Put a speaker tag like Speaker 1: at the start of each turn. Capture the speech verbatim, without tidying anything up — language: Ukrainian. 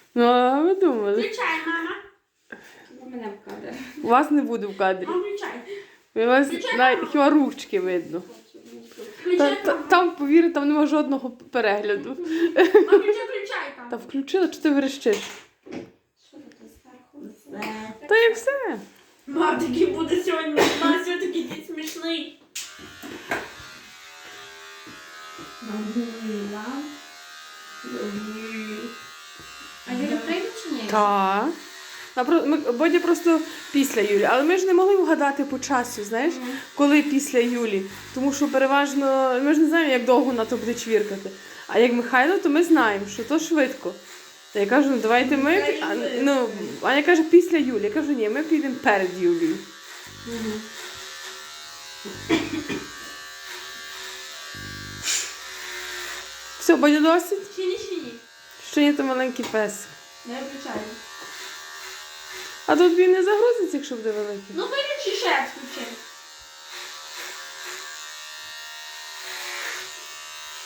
Speaker 1: Ну, а ви думали?
Speaker 2: Включай, мама. Мене в кадр.
Speaker 1: Вас не буде в кадрі.
Speaker 2: Мам, включай.
Speaker 1: У вас
Speaker 2: Включай,
Speaker 1: навіть
Speaker 2: мама.
Speaker 1: хіба ручки видно. Та,
Speaker 2: Включай,
Speaker 1: та,
Speaker 2: мама.
Speaker 1: там, повірте, там нема жодного перегляду.
Speaker 2: Мам, включай, включай там.
Speaker 1: Та включила, чи ти верещиш?
Speaker 2: Що тут зверху?
Speaker 1: Та і все.
Speaker 2: Мам, такий буде сьогодні. Мам, сьогодні такий день смішний. Мам, А Юля прийде чи ні?
Speaker 1: Так. А про- ми- Бодя просто після Юлі. Але ми ж не могли вгадати по часу, знаєш,
Speaker 2: Мгм.
Speaker 1: коли після Юлі. Тому що переважно ми ж не знаємо, як довго вона то буде чвіркати. А як Михайло, то ми знаємо, що то швидко. Та я кажу, ну давайте ми. А, ну, Аня каже, після Юлі. Я кажу, ні, ми підемо перед Юлією.
Speaker 2: Мгм.
Speaker 1: Все, Бодя досить?
Speaker 2: Чи ні, чи ні?
Speaker 1: Ще ні, то маленький пес.
Speaker 2: Не включаю.
Speaker 1: А тут він не загрузиться, якщо буде великий.
Speaker 2: Ну, виключи ще включи.